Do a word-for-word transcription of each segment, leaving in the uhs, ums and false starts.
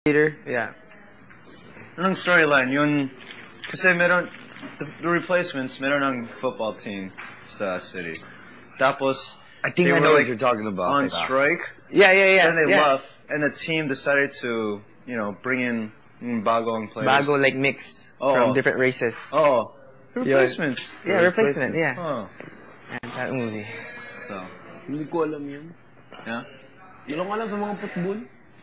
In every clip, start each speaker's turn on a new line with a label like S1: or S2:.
S1: Yeah. Anong storyline? Yun, kasi meron, the, the replacements, meron ng football team sa city. Tapos,
S2: I think I know like, what you're talking about.
S1: On strike.
S2: Yeah, yeah, yeah.
S1: And they
S2: yeah.
S1: left, and the team decided to, you know, bring in bagong players.
S3: Bago, like, mix
S1: oh.
S3: from different races.
S1: Oh. Replacements.
S3: Yeah, yeah replacement, yeah.
S1: Oh.
S3: And that movie.
S1: So.
S4: Hindi ko alam yun.
S1: Yeah?
S4: Yun lang alam sa mga football.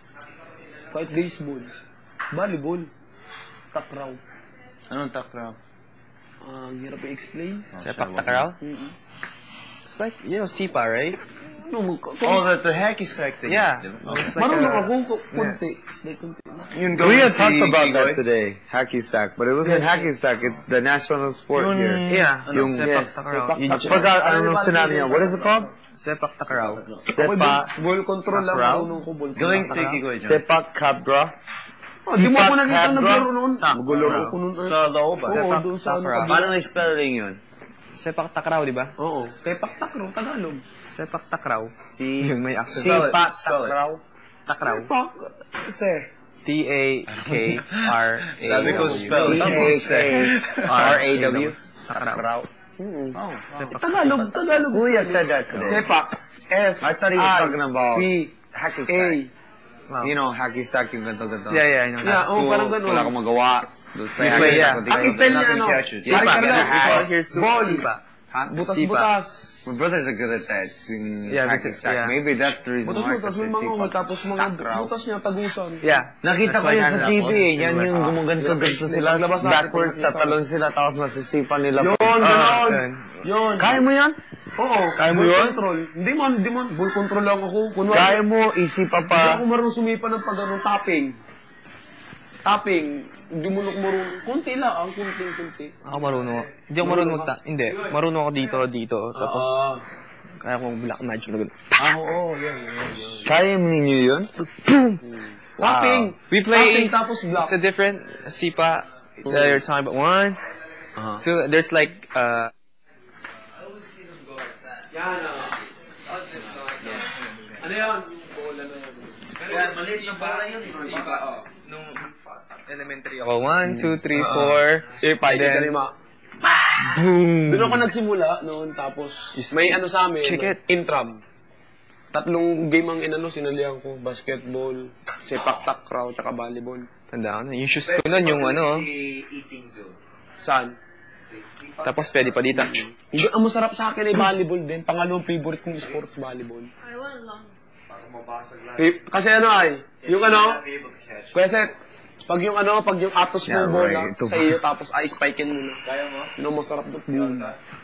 S4: Kahit baseball. Volleyball. Takraw.
S1: Anong takraw?
S4: Ah, ang hirap i-explain.
S3: Oh, Sepak takraw?
S4: Mm-hmm.
S3: It's like, you know, Sipa, right?
S4: No,
S1: oh, the, the hacky sack thing.
S3: Yeah.
S1: Oh.
S4: Like marunong ako, kunti.
S1: Yeah.
S2: We had talked about that today, hacky sack, but it wasn't yeah. hacky sack, it's the national sport
S1: Yun,
S2: here.
S3: Yeah.
S2: Yung,
S3: Sepak
S2: yes.
S3: takraw.
S2: I forgot, I don't know sinabi niya. What is it called?
S3: Sepak takraw.
S2: Sepak
S4: ball control lang marunong ko.
S1: Galing siki ko dyan.
S2: Sepak takraw.
S4: Oh, di mo ako nakita naglaro noon. Magulo ko noon.
S1: Sa loob ba?
S4: Sepak takraw.
S2: Paano na-spelling yun?
S3: Sepak takraw, di ba?
S4: Oo. Sepak takraw, Tagalog.
S3: Sepak takraw.
S2: Si
S3: yung may accent.
S2: Sepak takraw.
S3: Takraw.
S4: Se.
S3: T A K R A W.
S1: Sabi ko spell.
S2: T A K R A W.
S3: Takraw.
S4: Oh, Tagalog, Tagalog.
S2: Kuya said that today.
S4: Sepak. S.
S2: I thought he was talking about
S4: P.
S2: hacky
S4: A.
S2: sack. You know, hacky sack yung ganito-ganito.
S3: Yeah, yeah, I know.
S4: Yeah, oh, parang ganun.
S2: Wala akong magawa.
S3: Play, yeah.
S4: Ang style niya, ano?
S3: Sipa.
S4: Ball.
S2: Huh?
S4: Butas-butas.
S2: My brothers are good at that.
S3: Yeah,
S2: hacky sack.
S3: yeah.
S2: Maybe that's the reason why.
S4: Butas-butas, may mga umay, tapos mga butas niya, tagusan.
S3: Yeah.
S2: Nakita ko yun sa T V eh. Yan yung gumaganto-ganto sila. Backwards, tatalon sila, tapos masisipan nila.
S4: Yun, gano'n. Yun.
S2: Kaya mo yan?
S4: Oo.
S2: Kaya mo
S4: ball
S2: yun?
S4: Control. Hindi man, hindi man. Ball control lang ako. Kunwari,
S2: Kaya mo, isipa
S4: hindi
S2: pa.
S4: ako marunong sumipa ng pag ano, tapping. Tapping. Hindi mo nung marunong. Kunti lang, ang kunti-kunti.
S3: Ako marunong. Hindi ako marunong magta... Hindi. Marunong ako dito, dito. Tapos,
S4: Ah.
S3: kaya akong black magic na gano'n.
S4: Ah, oo. Yan, yan, yan.
S2: Kaya mo ninyo yun?
S4: Tapping.
S3: We play...
S4: Tapping tapos block.
S3: It's a different Sipa that you're talking about. One.
S2: Uh-huh.
S3: So, there's like, uh...
S4: Yan, ah. Ano yan? Bola na yan.
S1: Kaya, maliit na bola yun.
S3: Sipa, oh. Nung elementary ako. One, two, three, four.
S4: Sirpa, hindi ka lima. Boom! Doon ako nagsimula noon, tapos may ano sa amin,
S3: Check it.
S4: intram. Tatlong game ang inano, sinalihan ko. Basketball, sepak takraw, tsaka volleyball.
S3: Tanda ko na. Yung shoes ko nun, yung ano.
S4: Saan?
S3: Tapos pwede pa dito.
S4: Hindi, ang masarap sa akin ay volleyball din. Pangalawang favorite kong sports, volleyball.
S5: I wala lang.
S4: Eh, kasi ano ay, yung ano, kasi pag yung ano, pag yung atos
S2: Yeah,
S4: mo bola
S2: right. Ito
S4: sa
S2: ba?
S4: iyo, tapos ay spike-in mo na.
S1: Kaya mo?
S4: Yun ang masarap doon. Boom.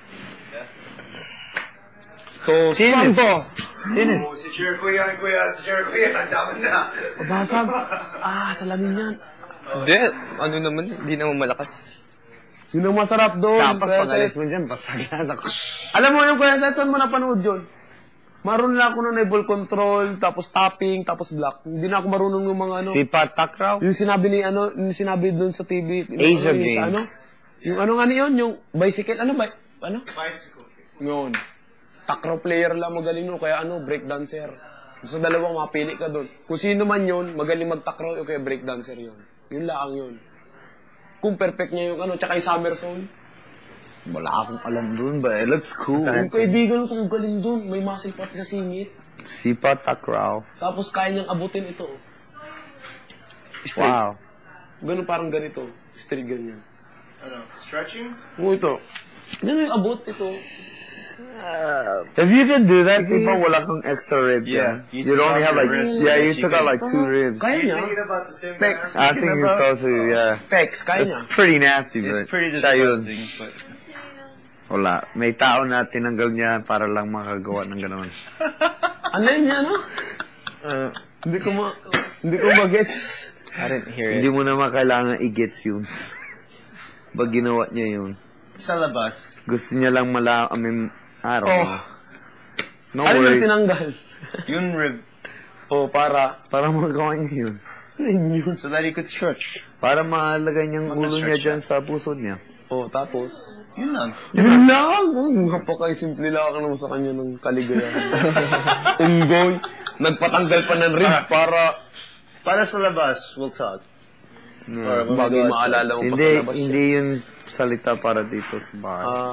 S4: To,
S2: Sinis.
S4: saan to?
S2: Sinis.
S1: Oh, si Jer Kuya, Kuya, si Jer Kuya, ang dami na.
S4: Basag. Ah, salamin yan.
S3: Hindi. Ano naman, hindi naman malakas.
S4: Yun ang masarap doon.
S2: Dapat
S4: Kuya
S2: pag-alis
S4: Seth.
S2: mo dyan, basagyan ako.
S4: Alam mo yung Kuya Seth, saan mo napanood yun? Marunong na ako ng ball control, tapos tapping, tapos block. Hindi na ako marunong ng mga ano.
S2: Sipa takraw?
S4: Yung sinabi ni ano, yung sinabi doon sa T V.
S2: Asia
S4: yung,
S2: Games.
S4: Sa, ano, yung ano nga yun, yung bicycle, ano ba? Ano?
S1: Bicycle.
S4: Yun. Takraw player lang magaling no, kaya ano, breakdancer. Sa dalawang mapili ka doon. Kung sino man yun, magaling magtakraw, o kaya breakdancer yun. Yun lang yun. Kung perfect niya yung ano, tsaka yung somersault.
S2: Wala akong alam dun ba? It looks cool.
S4: Yung kaibigan ko, galing doon. May muscle pati sa singit.
S2: Sipa takraw.
S4: Tapos kaya niyang abutin ito. Straight.
S2: Wow.
S4: Ganun parang ganito. Straight ganyan.
S1: Ano, stretching?
S4: Oo, ito. Ganun yung abot ito.
S2: If you can do that, Sipa, wala kang extra rib.
S1: Yeah.
S2: You, you only have like,
S1: Ribs.
S2: yeah, you took out like two ribs.
S4: Kaya niya.
S1: Thinking about the same
S4: Pecs.
S2: I think you told to, yeah.
S4: Pecs, kaya
S2: It's
S4: niya.
S2: pretty nasty, but
S1: It's pretty
S2: siya yun.
S1: disgusting, but...
S2: Wala. May tao na tinanggal niya para lang makagawa ng gano'n.
S4: Ano yun niya, no?
S3: Uh,
S4: Hindi ko ma... Hindi ko mag-gets.
S3: I didn't hear it.
S2: Hindi mo naman kailangan i-gets yun. Pag ginawa niya yun.
S1: Sa labas.
S2: Gusto niya lang mala... I mean, I don't
S4: Oh.
S2: know. No
S4: Ano yung
S2: worries.
S4: tinanggal?
S1: Yung rib.
S4: Oh, para...
S2: Para magawa niya yun.
S4: Yun.
S1: So that he could stretch.
S2: Para maalagay niyang ulo niya
S1: Mag-stretch
S2: dyan sa puso niya.
S4: Oh, tapos...
S1: Yun lang.
S4: Yun lang! Oh, napaka-simple lang ako naman sa kanya ng kaligayahan. Unggoy. Nagpatanggal pa ng ribs para
S1: Para sa labas, we'll talk.
S4: Or bagay maalala mo pa
S2: Hindi,
S4: sa labas siya.
S2: hindi yung salita para dito sa bahay.
S4: Ah,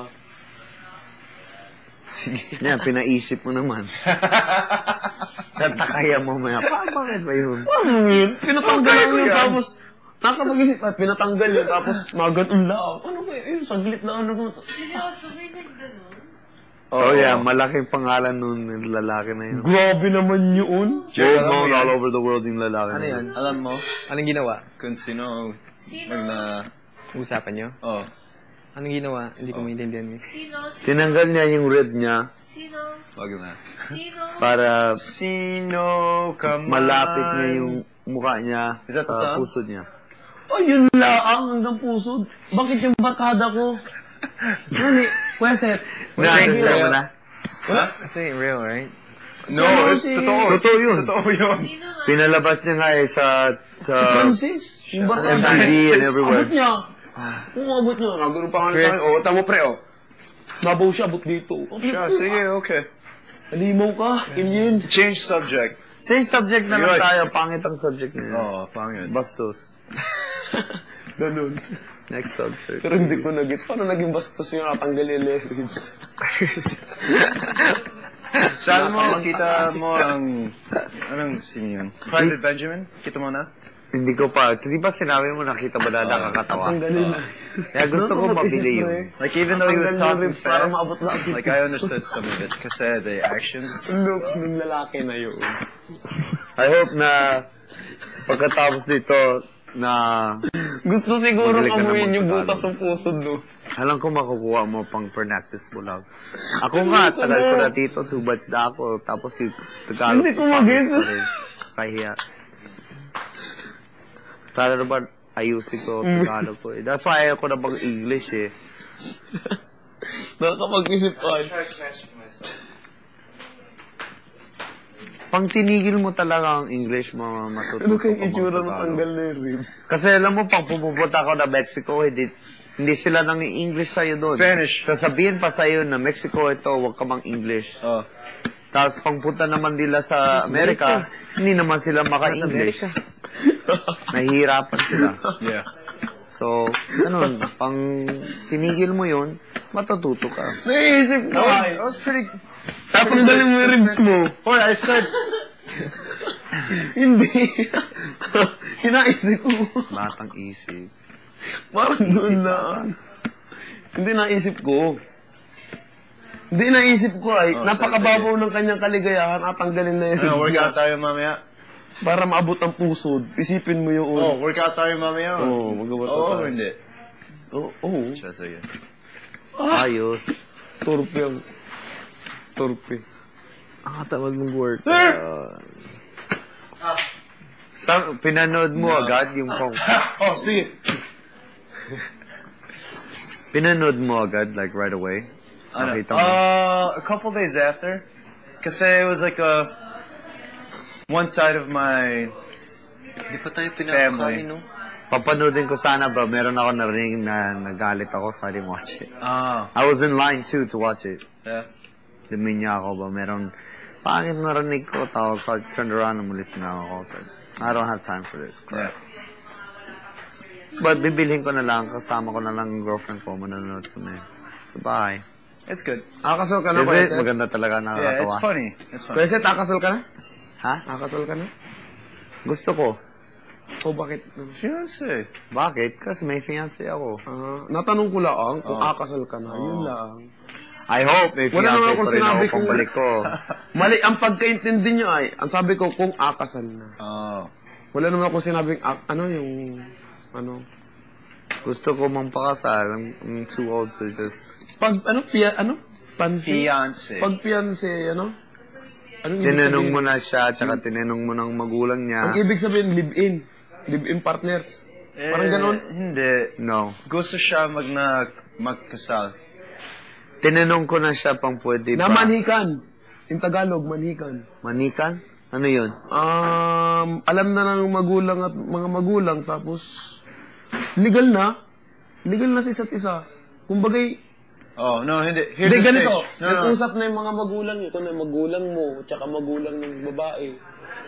S2: Yan, pinaisip mo naman. Tatakaya mo maya. Pa, bakit ba yun?
S4: ano yun? Pinatanggal lang yun, tapos nakapag-isip, ay, pinatanggal yun, tapos magat ang lao. Ano ba yun? Saglit na ano.
S5: Seryoso, may nagganon?
S2: Oh, yeah, malaking pangalan nun ng lalaki na yun.
S4: Grabe naman yun.
S2: Well known all over the world yung lalaki
S3: Ano
S2: na
S3: yan?
S1: Alam mo,
S3: Anong ginawa?
S1: kung sino
S5: Sino?
S1: mag na...
S3: Usapan nyo?
S1: Oh.
S3: Anong ginawa? Hindi ko maintindihan eh.
S5: Sino? Sino?
S2: Tinanggal niya yung rib niya
S5: Sino?
S1: Wag na.
S5: Sino?
S2: para
S1: Sino ka man?
S2: malapit niya yung mukha niya
S1: Is that the
S2: sa
S1: song?
S2: puso niya.
S4: Oh, yun laang hanggang pusod. Bakit yung barkada ko? Ano eh? Kuya Seth.
S2: Na-understand mo na?
S3: Kasi real, right?
S1: No, it's totoo.
S2: Totoo yun.
S1: Totoo yun.
S5: Sino nga?
S2: Pinalabas niya nga eh sa,
S4: Si
S2: sa
S4: Francis. Yung
S2: M
S4: barkada.
S2: T V and everywhere.
S4: Abot niya. Kung abot niya. Nagano pa nga
S3: Chris.
S4: sa akin. O, tamo pre, o. Nabaw siya, abot dito.
S1: Yeah, sige, okay.
S4: Alimaw ka. Alien.
S1: Change subject.
S2: Same subject na lang
S1: Yun.
S2: tayo. Pangit ang subject na yun.
S1: Oh, pangit.
S2: Bastos.
S4: Ganun.
S2: Next subject.
S4: Pero hindi ko nag-gets. Paano naging bastos yung natanggal yung lyrics?
S1: Saan mo, makita mo ang... Anong sino yun? Private Benjamin? Kita mo na?
S2: Hindi ko pa. Di ba sinabi mo nakita ba na nakakatawa?
S4: Tanggalin na.
S2: Kaya gusto ko mabili yun.
S1: Like, even though he was talking
S4: Para
S1: fast,
S4: maabot lang.
S1: like, I understood some of it. Kasi the action...
S4: Look, nung lalaki na yun.
S2: I hope na pagkatapos dito na
S4: Gusto siguro
S2: Magaling ka
S4: kamuhin
S2: na
S4: yung
S2: magtagalog.
S4: butas ng pusod, no?
S2: alam ko makukuha mo pang practice mo lang. Ako nga, tagal ko na dito, two batch na ako, tapos yung Tagalog.
S4: Hindi ko mag-gets.
S2: Kahiya. Sana naman, ayusin ko Tagalog ko eh. That's why ayaw ko na mag-English eh.
S4: Nakakapag-isip ka.
S2: Pang tinigil mo talaga ang English, mo matututo
S4: Ano
S2: ka
S4: kayong itsura ng
S2: mag-Tagalog.
S4: tanggal na yung ribs?
S2: Kasi alam mo, pag pumupunta ako na Mexico, hindi, hindi sila nang English sa'yo doon.
S1: Spanish.
S2: Sasabihin pa sa'yo na Mexico ito, huwag ka mang English.
S1: Oh.
S2: Tapos pangpunta naman nila sa Amerika, hindi naman sila maka-English. Nahihirapan sila.
S1: Yeah.
S2: So, ganun, pang sinigil mo yun, matututo ka.
S4: Naisip ko.
S1: That was, that was pretty...
S4: Tatanggalin mo yung ribs mo.
S1: Boy, I said...
S4: Hindi. Hinaisip ko.
S2: Batang isip.
S4: Parang doon lang. Hindi naisip ko. Hindi naisip ko ay,
S1: Oh,
S4: napakababaw ng kanyang kaligayahan at tanggalin na yun.
S1: Ano, workout tayo mamaya?
S4: Para maabot ang pusod. Isipin mo yun.
S1: Oh, workout tayo mamaya?
S4: Oo, magawa
S1: Oo,
S4: tayo.
S1: hindi.
S4: Oo. Oh,
S1: Siya, sige.
S2: Ayos.
S4: Torpe ang... Torpe.
S2: Ah, tamad mong work. Uh, sa, pinanood mo agad yung pang...
S1: Oh, sige.
S2: Pinanood mo agad, like right away?
S1: Ano?
S2: Nakita mo?
S1: Uh, a couple days after. Kasi it was like a... One side of my...
S3: Hindi pa tayo
S1: Family.
S3: pinapakain, no?
S2: Papanoodin ko sana ba, meron ako narinig na nagalit ako, so I didn't watch it.
S1: Ah,
S2: I was in line too to watch it.
S1: yeah.
S2: Luminya ako ba, meron... Pangit narinig ko, tawag so I turned around and umalis na ako. So, I don't have time for this
S1: Yeah.
S2: crap. But bibilhin ko na lang, kasama ko na lang ang girlfriend ko, manonood ko na yun. So bye.
S1: It's good.
S4: Nakakasal ka na,
S2: Is
S4: Kuya
S2: it?
S4: Seth?
S2: Maganda talaga,
S1: Yeah,
S2: nakakatawa.
S1: it's funny. It's funny.
S4: Kuya Seth, nakakasal ka na?
S2: Ha?
S4: Nakakasal ka na?
S2: Gusto ko.
S4: O bakit?
S1: Fiancé.
S2: Bakit? Kasi may fiancé ako.
S4: Ah, natanong ko lang kung
S1: Oh.
S4: akasal ka na. Yun lang.
S2: I hope may
S4: Wala
S2: fiancé
S4: naman
S2: pa
S4: akong
S2: rin
S4: sinabi
S2: ako
S4: kung-
S2: pagbalik ko.
S4: Mali, ang pagkaintindi niyo ay, ang sabi ko kung akasal na.
S1: Oh.
S4: Wala naman ako sinabing, ak- ano yung, ano.
S2: Gusto ko mang pakasal. I'm, I'm too old to just...
S4: Pag, ano, pia, ano? Pansi?
S1: Fiancé.
S4: Pag fiancé, ano? Anong ibig
S2: Tinanong
S4: sabihin?
S2: mo na siya, tsaka tinanong mo ng magulang niya.
S4: Ang ibig sabihin, live-in. Live-in partners. Parang
S1: Eh,
S4: ganon.
S1: Hindi.
S2: No.
S1: Gusto siya mag na magkasal.
S2: Tinanong ko na siya pang pwede
S4: Na
S2: ba.
S4: manhikan. In Tagalog, manhikan.
S2: Manikan? Ano yun?
S4: Um, alam na ng magulang at mga magulang, tapos, legal na. Legal na sa isa't isa. Kumbagay,
S1: Oh, no, hindi. Here's
S4: hindi
S1: the
S4: ganito.
S1: stage. No, no.
S4: Nag-usap na yung mga magulang. Ito na yung magulang mo, tsaka magulang ng babae.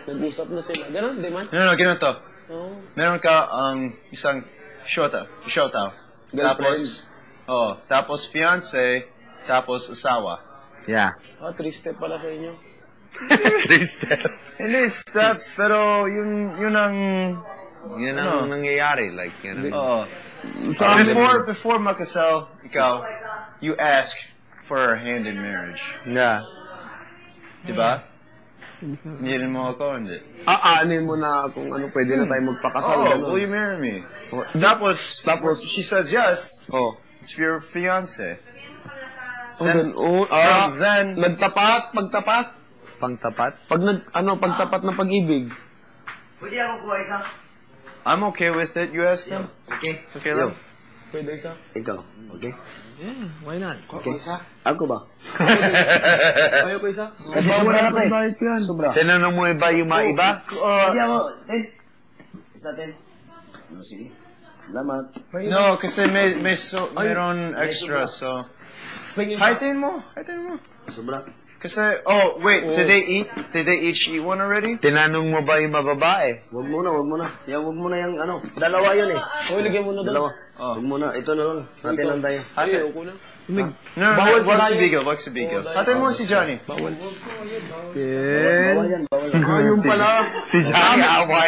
S4: Nag-usap na sila. Ganon, di man?
S1: No, no, ganito.
S4: Oo.
S1: Meron ka um, isang shota, shota. Tapos, oh, tapos fiance, tapos asawa.
S2: Yeah.
S4: Ah, three step pala sa inyo.
S2: Three steps.
S1: Hindi steps, pero yun, yun ang,
S2: Yun
S1: Ano?
S2: ang nangyayari. Like, yun ang...
S1: oh. So before, before makasal, ikaw, you ask for her hand in marriage.
S2: Yeah.
S1: Diba? Hindi rin mo ako, hindi.
S4: Aanin mo na kung ano, pwede na tayo magpakasal.
S1: Oh,
S4: ganon.
S1: will you marry me? Tapos, tapos, she says yes.
S4: Oh.
S1: It's your fiance.
S4: Oh, then, oh, ah,
S1: From then,
S4: nagtapat, pagtapat.
S2: Pangtapat.
S4: Pag nag, ano, pagtapat ng pag-ibig.
S6: Pwede ako kuha isa?
S1: I'm okay with it. You ask them.
S6: Okay.
S1: Okay,
S6: Yo,
S1: love.
S4: Pwede isa.
S6: ikaw. Okay?
S4: Why not?
S6: Okay. Ako ba?
S4: Ayaw ko isa.
S6: Kasi sobra na to eh. Sobra.
S2: Tinanong mo iba yung mga iba?
S6: Pwede ako. Ten. Isa ten. No, sige. Salamat.
S1: No, kasi may, may so, mayroon extra, so. Haitin mo. Haitin mo.
S6: Sobra.
S1: Kasi, oh, wait, did they eat? Did they each eat one already?
S2: Tinanong mo ba yung mga babae?
S6: Wag muna, wag muna. Yan, wag muna yung ano. Dalawa yun eh.
S4: Oh, lagyan mo na doon.
S6: Dalawa.
S1: Oh.
S6: Wag muna. Ito na lang. Natin lang tayo.
S4: Ayaw ko na.
S1: No, no, no, wag si Bigo, wag si Bigo. Haitin mo si Johnny.
S6: Bawal yan, bawal yan.
S4: Ayun pala.
S2: Si Johnny away.